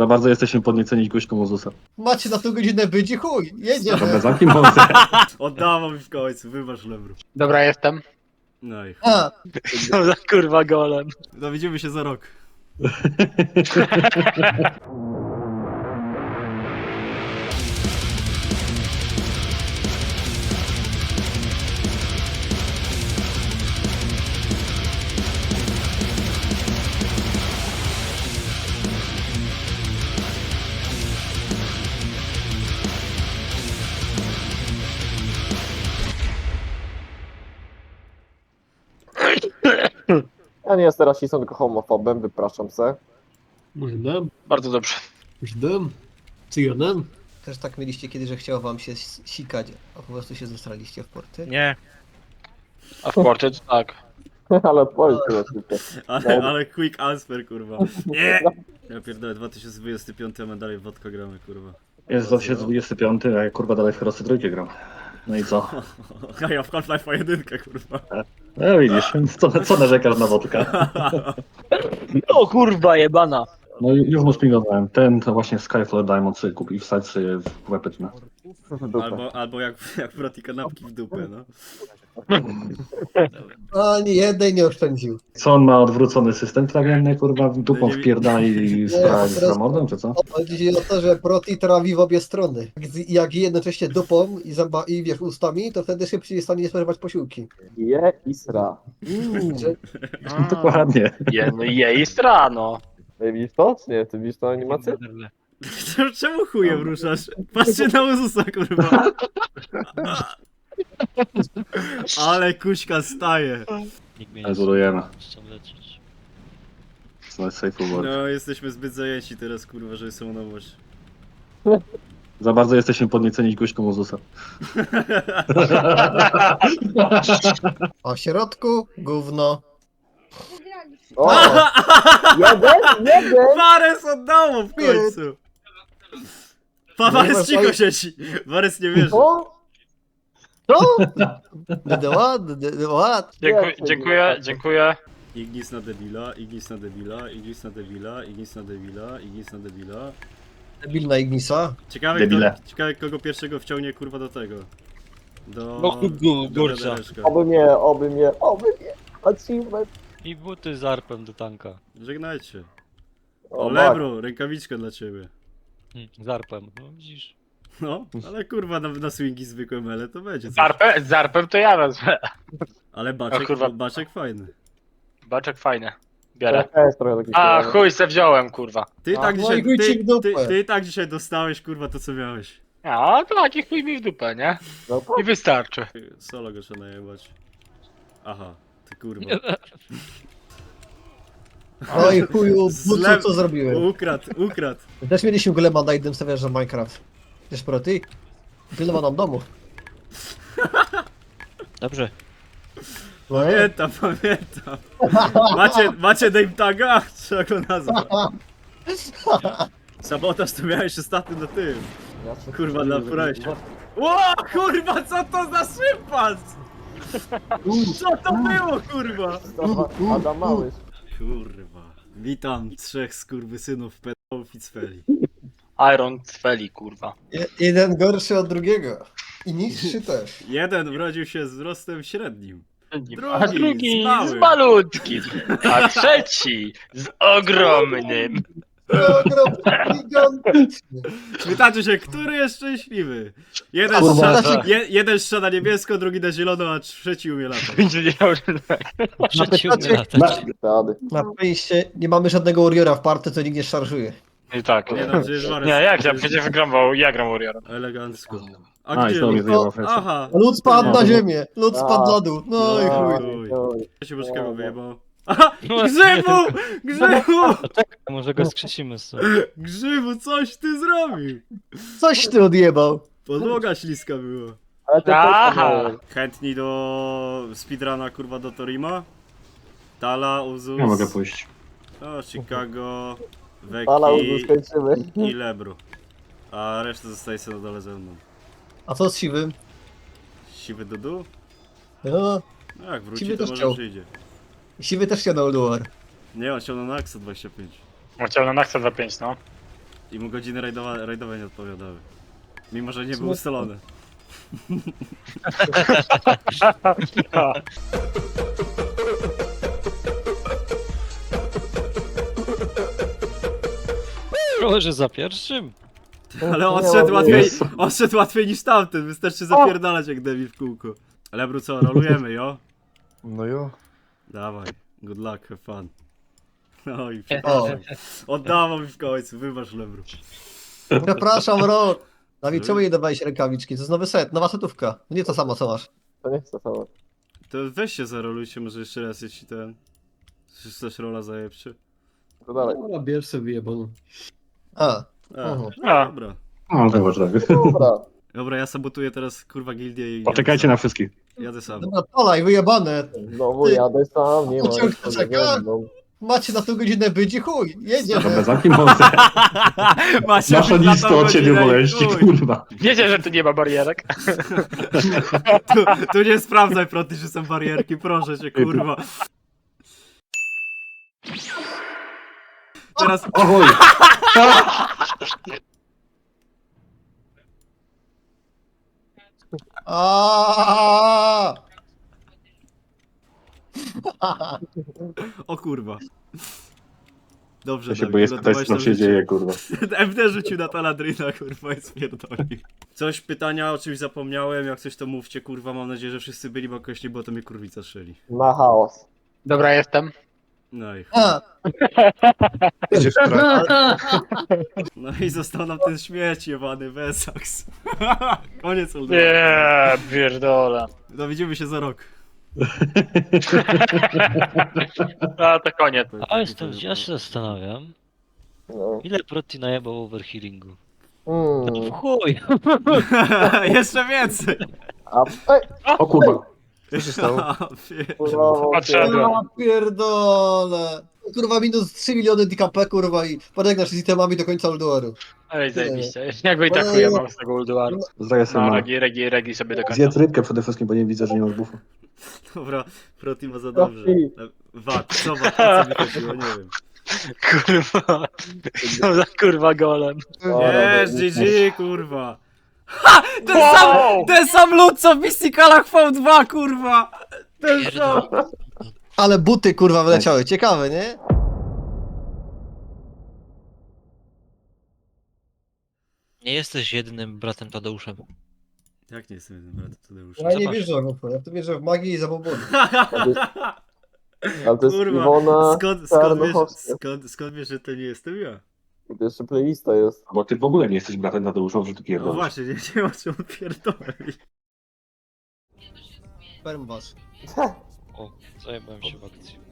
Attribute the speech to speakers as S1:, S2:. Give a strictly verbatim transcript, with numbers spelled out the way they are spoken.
S1: Za bardzo jesteśmy podnieceni gośką Uzusa.
S2: Macie na tę godzinę być i chuj, jedziemy.
S1: Dobra, zamknij mordę.
S3: Oddawał mi w końcu, wybacz Lebru.
S4: Dobra, jestem.
S3: No i chuj.
S2: A,
S4: Co za kurwa golem.
S3: No widzimy się za rok.
S5: Ja nie jestem rasistą, tylko homofobem, wypraszam se.
S2: Możemy,
S4: Bardzo dobrze.
S2: możemy. Co jeden? Też tak mieliście kiedyś, że chciało wam się s- sikać, a po prostu się zestraliście w porty?
S4: Nie. A w porcie to tak.
S5: Ale odpowiedź chyba tylko.
S3: Ale, ale quick answer, kurwa. Nie! Ja pierdolę, dwa tysiące dwudziesty piąty, a my dalej w wodkę gramy, kurwa.
S1: Jest dwa tysiące dwudziesty piąty, a ja kurwa dalej w Herosy trójkę gram. No i co?
S3: A ja w Half-Life jedynkę, kurwa.
S1: No widzisz, co, co narzekasz na wodkę?
S4: O kurwa jebana.
S1: No i już mu spingowałem. Ten to właśnie Skyfall Diamond sobie kupi, wsadź sobie w łepetynę.
S3: Albo, albo jak, jak proti kanapki w dupę, no.
S2: Ani jednej nie oszczędził.
S1: Co on ma odwrócony system trawienny, kurwa, dupą wpierdali z, pra- z zamordem, czy co?
S2: Chodzi o to, że proti trawi w obie strony. Jak, z- jak je jednocześnie dupą i, zęba, i wiesz, ustami, to wtedy szybciej jest w stanie spożywać posiłki.
S5: Je i sra.
S2: Mm, że,
S1: Dokładnie.
S4: Je, no je i strano.
S5: Ej, widzisz to? Czy nie? Ty widzisz tą animację?
S3: Czemu chujem ruszasz? Patrzcie na Uzusa, kurwa. Ale kuśka staje.
S6: Nikt mnie nie
S1: Zbudujemy.
S6: chcą lecieć.
S1: Znaleźć safe word.
S3: No, jesteśmy zbyt zajęci teraz, kurwa, że są nowość.
S1: Za bardzo jesteśmy podnieceni gośką Uzusa.
S2: a w środku gówno.
S5: O! Jeden? Jeden!
S3: Wares oddało w końcu! Pa, Wares cicho siedzi! Wares nie wierzy.
S5: O!
S2: Co? Będę ład, będę ład.
S4: Dziękuję, dziękuję, dziękuję.
S3: Ignis na debila, Ignis na debila, Ignis na debila, Ignis na debila, Ignis na debila.
S2: Debilna Ignisa.
S3: Ciekawe,
S1: Debile.
S3: kto, ciekawe kogo pierwszego wciągnie, kurwa, do tego. Do...
S6: No, gu-
S3: do
S6: górcza.
S3: wiadereczka.
S5: Oby mnie, oby mnie, oby mnie. Achievement.
S6: I buty z arpem do tanka.
S3: Żegnajcie.
S5: O,
S3: O, Lebru, rękawiczkę dla ciebie.
S6: Hm, z arpem, no widzisz.
S3: No, ale kurwa, na, na swingi zwykłe mele to będzie
S4: Z
S3: coś.
S4: arpem, z arpem to ja wezmę.
S3: Ale baczek,
S4: O kurwa.
S3: baczek fajny.
S4: Baczek fajny. Biorę.
S5: Ja jest trochę taki
S4: A
S5: kolor.
S4: chuj se wziąłem, kurwa.
S3: Ty
S2: A,
S3: tak
S2: no
S3: dzisiaj,
S2: i chuj ci
S3: ty,
S2: w dupę.
S3: ty, ty tak dzisiaj dostałeś, kurwa, to co miałeś.
S4: A to taki chuj mi w dupę, nie?
S5: No to
S4: I wystarczy.
S3: Ty, Solo go trzeba najebać. Aha, ty kurwa.
S2: Oj chuju, bucu,
S3: Zle-
S2: co zrobiłem?
S3: Ukradł, ukradł.
S2: Też mieliśmy golema na jednym serwerze Minecraft. Wiesz proti? Pilnował nam domu.
S6: Dobrze.
S2: No,
S3: Pamiętam, pamiętam. Macie, macie name taga? Trzeba go nazwać. Sabotaż to miałeś ostatnio na tym.
S5: Ja się-
S3: Kurwa, na furajcie. Ło, kurwa, co to za szympans? Co to było, kurwa?
S5: To Adam Małysz.
S3: Kurwa. Witam trzech skurwysynów pedałów i cfeli.
S4: Iron Cfeli, kurwa.
S2: Je- jeden gorszy od drugiego. I niższy też.
S3: Jeden urodził się z wzrostem średnim.
S4: A drugi
S3: z małym.
S4: z malutkim. A trzeci z ogromnym.
S2: Ogromny, gigantyczny.
S3: Pytacie się, który jest szczęśliwy? Jeden
S2: Kurwa.
S3: strzela, je, jeden strzela na niebiesko, drugi na zielono, a trzeci umie latać.
S4: Będzie wiedział, że tak.
S6: Przeciw
S2: pytacie-
S6: latać.
S5: Rady.
S2: Na szczęście nie mamy żadnego Warriora w party, co nikt nie szarżuje.
S4: I tak.
S3: Nie, no, przecież Warys-
S4: Nie, jak ja przecież wygrał, ja gram Warriorem.
S3: Elegancko. A
S1: A, i
S3: gdzie?
S1: znowu mnie zajęła flecha.
S3: Aha.
S2: Lud spadł
S1: No.
S2: na ziemię, lud spadł na dół. No i
S3: No.
S2: chuj.
S3: chuj.
S5: Oj.
S3: Ja się Bożkiego wyjebał. Aha! Grzybu! Grzybu!
S6: Może go skrzesimy sobie.
S3: Grzybu, coś ty zrobił!
S2: Coś ty odjebał.
S3: Podłoga śliska była.
S5: Ale to
S4: Aha.
S5: też
S3: Chętni do speedruna, kurwa, do Torima? Tala, Uzus,
S1: Nie mogę pójść.
S3: o, Chicago,
S5: Ale
S3: Veki
S5: skończymy.
S3: i Lebru. A reszta zostaje sobie na dole ze mną.
S2: A co z siwym?
S3: Siwy Dudu?
S2: No,
S3: No jak wróci,
S2: Siwy
S3: to
S2: też
S3: może
S2: chciał.
S3: przyjdzie.
S2: siwy też chciał na War.
S3: Nie, on chciał na Naxa dwadzieścia pięć.
S4: On chciał na Naxa dwa pięć, no.
S3: I mu godziny rajdowa, rajdowe nie odpowiadały. Mimo, że nie był ustalony.
S6: Może za pierwszym?
S3: Ale odszedł łatwiej, odszedł łatwiej niż tamten, wystarczy zapierdalać jak debil w kółku. Lebru co, rolujemy, jo?
S7: No jo.
S3: Dawaj, good luck, have fun. Oj,
S2: O,
S3: przepraszam. Oddawał mi w końcu, wybacz Lebru.
S2: przepraszam, Rok. Dawid, czemu nie dawałeś rękawiczki? To jest nowy set, nowa setówka. Nie to samo, co masz.
S5: To nie chcę samo.
S3: To weź się zarolujcie może jeszcze raz, jeśli ten... Czy też rola zajebczy?
S5: To dalej.
S8: Dobra, bierz sobie jebanu.
S2: A,
S3: A,
S2: Mhm.
S4: A.
S3: dobra.
S1: No, zobacz tak.
S5: Dobra.
S3: Dobra, ja sabotuję teraz kurwa gildię i...
S1: Poczekajcie na wszystkich.
S3: Jadę sam.
S2: dobra, polaj, wyjebane.
S5: Znowu jadę sam, nie ma.
S2: Pociąg
S5: jeszcze
S2: czeka.
S5: legendą.
S2: Macie na tą godzinę być i chuj,
S1: Dobra,
S2: jedziemy.
S1: zamknij mordę.
S3: Macie
S1: Nasza
S3: być na
S1: lista
S3: tą
S1: o ciebie
S3: godzinę i
S1: boleści,
S3: chuj.
S1: kurwa.
S4: Wiecie, że tu nie ma barierek?
S3: Tu, tu nie sprawdzaj, proty, że są barierki, proszę cię, kurwa. Teraz...
S1: O chuj.
S2: Aaaa!
S3: O kurwa. Dobrze,
S1: Ja się
S3: Dawid,
S1: boję spytać,
S3: uratowałeś
S1: co
S3: nam
S1: się
S3: życie.
S1: dzieje, kurwa.
S3: M D rzucił na taladryna, kurwa, i spierdolił. Coś, pytania, o czymś zapomniałem, jak coś to mówcie, kurwa, mam nadzieję, że wszyscy byli, bo jakoś nie było, to mnie kurwica strzeli.
S5: Na chaos.
S4: Dobra, jestem.
S3: No i chuj.
S2: A,
S7: Idziesz w trak.
S3: No i został nam ten śmieć jebany, Wesaks. Koniec Uldu.
S4: Nie, pierdolę.
S3: No widzimy się za rok.
S4: A to koniec.
S6: A jestem, ja się zastanawiam,
S5: No.
S6: ile Proti najebał overhealingu?
S5: Mm.
S6: No w chuj!
S3: Jeszcze więcej.
S5: A, ej,
S1: O kurwa.
S7: Co się stało?
S3: A, pie-
S5: kurwa,
S4: Patrzę.
S2: ja pierdolę. Kurwa, minus trzy miliony D K P, kurwa, i podegnasz z itemami do końca Ulduaru.
S4: Ej, zajebiście. Jakby i tak chuja mam z tego Ulduaru.
S1: Zdaję sobie
S4: No,
S1: mam.
S4: regi, regi, regi sobie do końca.
S1: Zjedz rybkę przede wszystkim, bo nie widzę, że nie masz bufu.
S3: Dobra, Proti ma za dobrze.
S5: Profi.
S3: Wad, co wad, o co mi chodziło, nie wiem.
S4: Kurwa. Co za kurwa golem.
S3: Jest, G G, kurwa. Ha! Ten sam, ten sam lud, co w Mysticalach V dwa, kurwa! Ten sam.
S2: Ale buty, kurwa, wyleciały. Ciekawe, nie?
S6: Nie jesteś jedynym bratem Tadeuszem.
S3: Jak nie jestem jednym bratem Tadeusza?
S2: Ja nie
S6: Zobacz.
S2: wierzę w to. Ja w to wierzę w magię i zabobony.
S5: Ale to jest
S3: Kurwa,
S5: Iwona
S3: skąd, skąd, wiesz,
S5: Czarnochowska.
S3: skąd, skąd wiesz, że to nie jestem ja?
S5: To jeszcze playlista jest.
S1: Bo ty w ogóle nie jesteś bratem Tadeusza, że ty
S3: No
S1: pierdolisz.
S3: właśnie, nie wiem o czym pierdolę.
S2: Sperm was.
S6: O, zajebałem się w akcji.